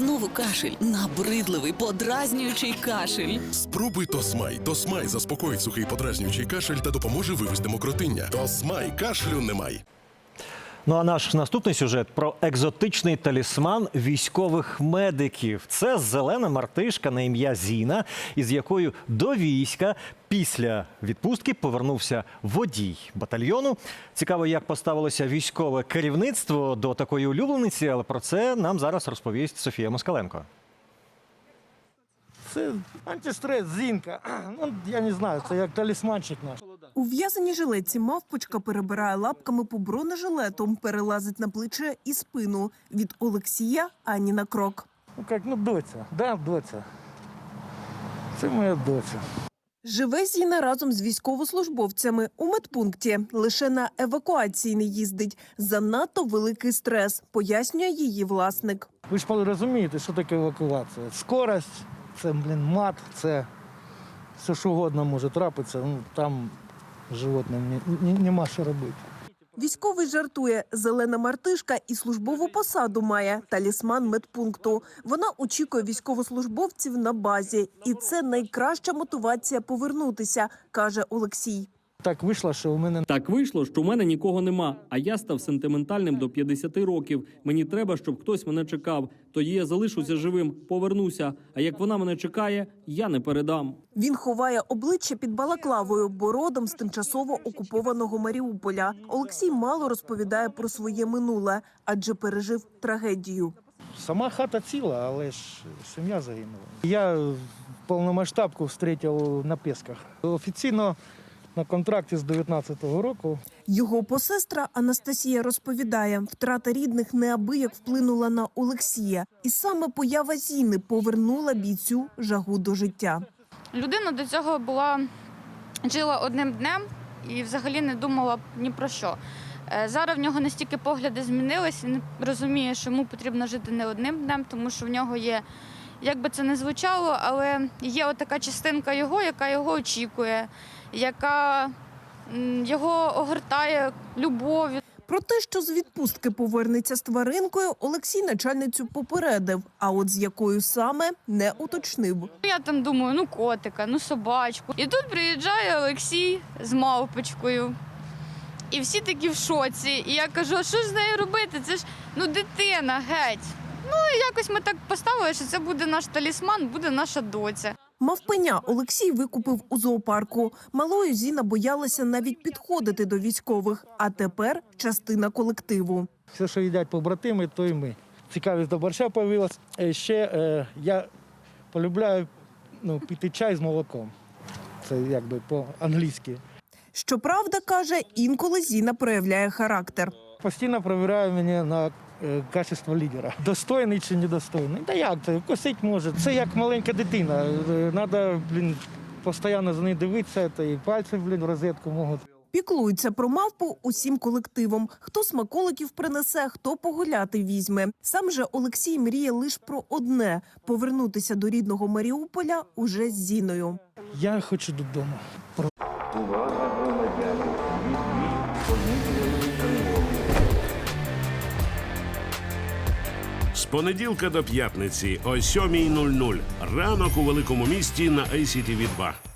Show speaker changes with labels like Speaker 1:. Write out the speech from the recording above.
Speaker 1: Знову кашель. Набридливий, подразнюючий кашель.
Speaker 2: Спробуй Тосмай. Тосмай заспокоїть сухий подразнюючий кашель та допоможе вивести мокротиння. Тосмай. Кашлю немає.
Speaker 3: Ну а наш наступний сюжет про екзотичний талісман військових медиків. Це зелена мартишка на ім'я Зіна, із якою до війська після відпустки повернувся водій батальйону. Цікаво, як поставилося військове керівництво до такої улюблениці, але про це нам зараз розповість Софія Москаленко.
Speaker 4: Це антистрес, Зінка. Ну, я не знаю, це як талісманчик наш.
Speaker 5: У в'язаній жилетці мавпочка перебирає лапками по бронежилету, перелазить на плече і спину. Від Олексія ані на крок.
Speaker 4: Ну як, доця. Да, доця. Це моя доця.
Speaker 5: Живе Зіна разом з військовослужбовцями у медпункті. Лише на евакуації не їздить. Занадто великий стрес, пояснює її власник.
Speaker 4: Ви ж розумієте, що таке евакуація. Скорость, це, мат, це все, що угодно може трапитися. Ну, там животним нема що робити.
Speaker 5: Військовий жартує, зелена мартишка і службову посаду має – талісман медпункту. Вона очікує військовослужбовців на базі. І це найкраща мотивація повернутися, каже Олексій.
Speaker 4: Так вийшло, що
Speaker 6: у мене нікого нема, а я став сентиментальним до 50 років. Мені треба, щоб хтось мене чекав. Тоді я залишуся живим, повернуся. А як вона мене чекає, я не передам.
Speaker 5: Він ховає обличчя під балаклавою, бо родом з тимчасово окупованого Маріуполя. Олексій мало розповідає про своє минуле, адже пережив трагедію.
Speaker 4: Сама хата ціла, але ж сім'я загинула. Я повномасштабку зустрів на Пєсках. Офіційно на контракті з 19-го року.
Speaker 5: Його посестра Анастасія розповідає, втрата рідних неабияк вплинула на Олексія. І саме поява Зіни повернула бійцю жагу до життя.
Speaker 7: Людина до цього жила одним днем і взагалі не думала ні про що. Зараз в нього настільки погляди змінились, він розуміє, що йому потрібно жити не одним днем, тому що в нього є, як би це не звучало, але є отака частинка його, яка його очікує, яка його огортає любов'ю.
Speaker 5: Про те, що з відпустки повернеться з тваринкою, Олексій начальницю попередив, а от з якою саме не уточнив.
Speaker 7: Я там думаю, котика, собачку. І тут приїжджає Олексій з мавпочкою. І всі такі в шоці. І я кажу, а що ж з нею робити? Це ж, дитина, геть. І якось ми так поставили, що це буде наш талісман, буде наша доця.
Speaker 5: Мавпеня Олексій викупив у зоопарку. Малою Зіна боялася навіть підходити до військових, а тепер частина колективу.
Speaker 4: Все, що їдять побратими, то і ми. Цікавість до борща з'явилась. Ще я полюбляю пити чай з молоком. Це якби по-англійськи.
Speaker 5: Щоправда, каже, інколи Зіна проявляє характер.
Speaker 4: Постійно перевіряю мене на качество лідера. Достойний чи недостойний. Та як це? Косить може. Це як маленька дитина. Треба, постійно за нею дивитися, та і пальці, в розетку можуть.
Speaker 5: Піклуються про мавпу усім колективом. Хто смаколиків принесе, хто погуляти візьме. Сам же Олексій мріє лише про одне – повернутися до рідного Маріуполя уже з Зіною.
Speaker 4: Я хочу додому.
Speaker 8: З понеділка до п'ятниці о 7:00 ранок у Великому місті на ICTV 2.